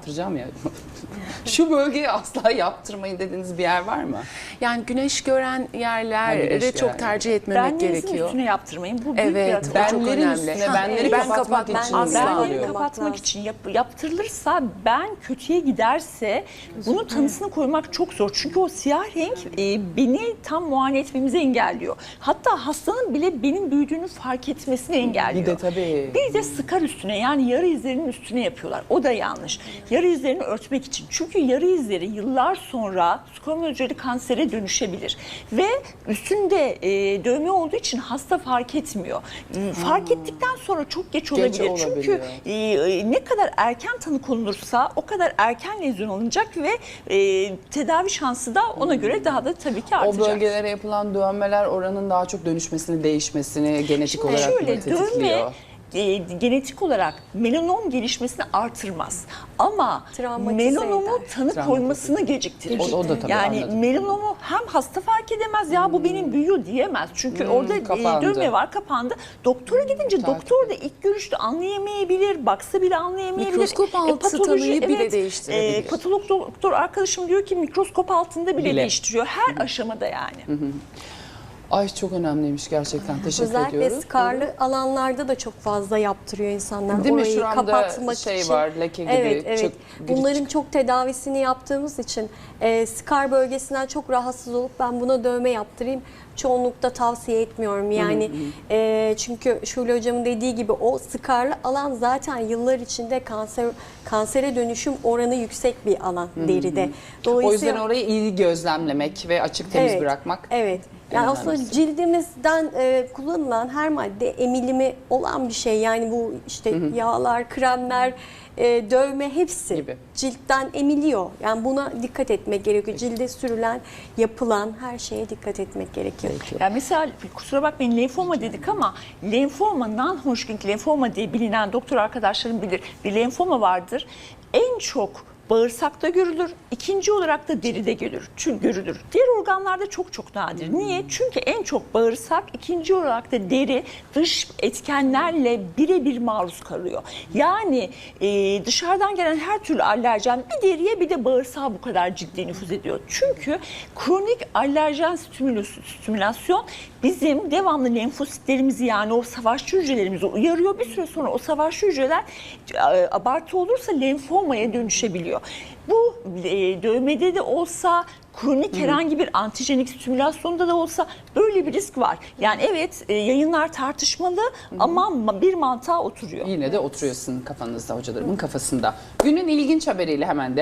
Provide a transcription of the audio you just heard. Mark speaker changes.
Speaker 1: yaptıracağım ya. Şu bölgeyi asla yaptırmayın dediğiniz bir yer var mı?
Speaker 2: Yani güneş gören yerlere
Speaker 1: güneş
Speaker 2: çok
Speaker 1: gören.
Speaker 2: tercih etmemek
Speaker 3: Benlerinizin
Speaker 2: gerekiyor.
Speaker 3: üstüne yaptırmayın. Bu büyük bir
Speaker 2: Evet,
Speaker 3: hata.
Speaker 2: ben çok
Speaker 1: Benlerin
Speaker 2: önemli.
Speaker 1: üstüne,
Speaker 2: Ha,
Speaker 1: benleri
Speaker 2: ben
Speaker 1: kapatmak
Speaker 2: kapatmak
Speaker 1: için
Speaker 2: asla
Speaker 1: ısrar
Speaker 3: Benleri
Speaker 1: ediyorum.
Speaker 3: kapatmak için yaptırılırsa ben kötüye giderse bunun tanısını koymak çok zor. Çünkü o siyah renk beni tam muayene etmemizi engelliyor. Hatta hastanın bile benim büyüdüğünü fark etmesini engelliyor.
Speaker 1: Bir de tabii.
Speaker 3: Bir de skar üstüne, yani yarı izlerinin üstüne yapıyorlar. O da yanlış. Yarı izlerini örtmek için. Çünkü yarı izleri yıllar sonra squamous hücreli kansere dönüşebilir. Ve üstünde dövme olduğu için hasta fark etmiyor. Fark ettikten sonra çok geç olabilir. Çünkü ne kadar erken tanı konulursa o kadar erken lezyon alınacak ve tedavi şansı da ona göre daha da tabii ki artacak.
Speaker 1: O bölgelere yapılan dövmeler oranın daha çok dönüşmesini, değişmesini genetik olarak
Speaker 3: Şöyle,
Speaker 1: tetikliyor.
Speaker 3: dövme genetik olarak melanom gelişmesini artırmaz. Ama
Speaker 4: Travmatize
Speaker 3: melanomu
Speaker 4: eder.
Speaker 3: tanı koymasını geciktirir.
Speaker 1: O da tabii,
Speaker 3: yani
Speaker 1: anladım.
Speaker 3: melanomu hem hasta fark edemez, ya bu benim büyüyor diyemez. Çünkü orada
Speaker 1: kapandı.
Speaker 3: dövme var, kapandı. Doktora gidince
Speaker 1: Takip
Speaker 3: doktor da ilk görüşte anlayamayabilir, baksa bile anlayamayabilir.
Speaker 2: Mikroskop altı tanıyı bile değiştirebilir.
Speaker 3: Patolog doktor arkadaşım diyor ki mikroskop altında bile değiştiriyor. Her aşamada yani.
Speaker 1: Ay çok önemliymiş gerçekten. Teşekkür
Speaker 4: Özellikle
Speaker 1: ediyoruz.
Speaker 4: skarlı alanlarda da çok fazla yaptırıyor insanlar.
Speaker 1: Değil mi?
Speaker 4: Orayı
Speaker 1: Şuramda
Speaker 4: kapatmak
Speaker 1: şey
Speaker 4: için.
Speaker 1: var, leke gibi,
Speaker 4: Evet, evet.
Speaker 1: çok
Speaker 4: Bunların çok tedavisini yaptığımız için skar bölgesinden çok rahatsız olup ben buna dövme yaptırayım çoğunlukta tavsiye etmiyorum. Yani çünkü Şule hocamın dediği gibi o skarlı alan zaten yıllar içinde kansere dönüşüm oranı yüksek bir alan deride.
Speaker 1: O yüzden orayı iyi gözlemlemek ve açık temiz bırakmak.
Speaker 4: Evet. Yani aslında cildimizden kullanılan her madde emilimi olan bir şey. Yani bu işte yağlar, kremler, dövme hepsi
Speaker 1: Gibi.
Speaker 4: ciltten emiliyor. Yani buna dikkat etmek gerekiyor. Cilde sürülen, yapılan her şeye dikkat etmek gerekiyor.
Speaker 3: Yani mesela kusura bakmayın lenfoma dedik ama lenfoma, non-Hodgkin lenfoma diye bilinen doktor arkadaşlarım bilir. Bir lenfoma vardır. En çok bağırsakta görülür, ikinci olarak da deride görülür. Diğer organlarda çok nadir. Niye? Çünkü en çok bağırsak, ikinci olarak da deri dış etkenlerle birebir maruz kalıyor. Yani dışarıdan gelen her türlü alerjen bir deriye bir de bağırsağa bu kadar ciddi nüfuz ediyor. Çünkü kronik alerjen stimülasyon bizim devamlı lenfositlerimizi, yani o savaşçı hücrelerimizi uyarıyor. Bir süre sonra o savaşçı hücreler abartı olursa lenfomaya dönüşebiliyor. Bu dövmede de olsa, kronik herhangi bir antijenik stimülasyonda da olsa böyle bir risk var. Yani evet, yayınlar tartışmalı ama bir mantığa oturuyor.
Speaker 1: Yine de oturuyorsun kafanızda, hocalarımın kafasında. Günün ilginç haberiyle hemen de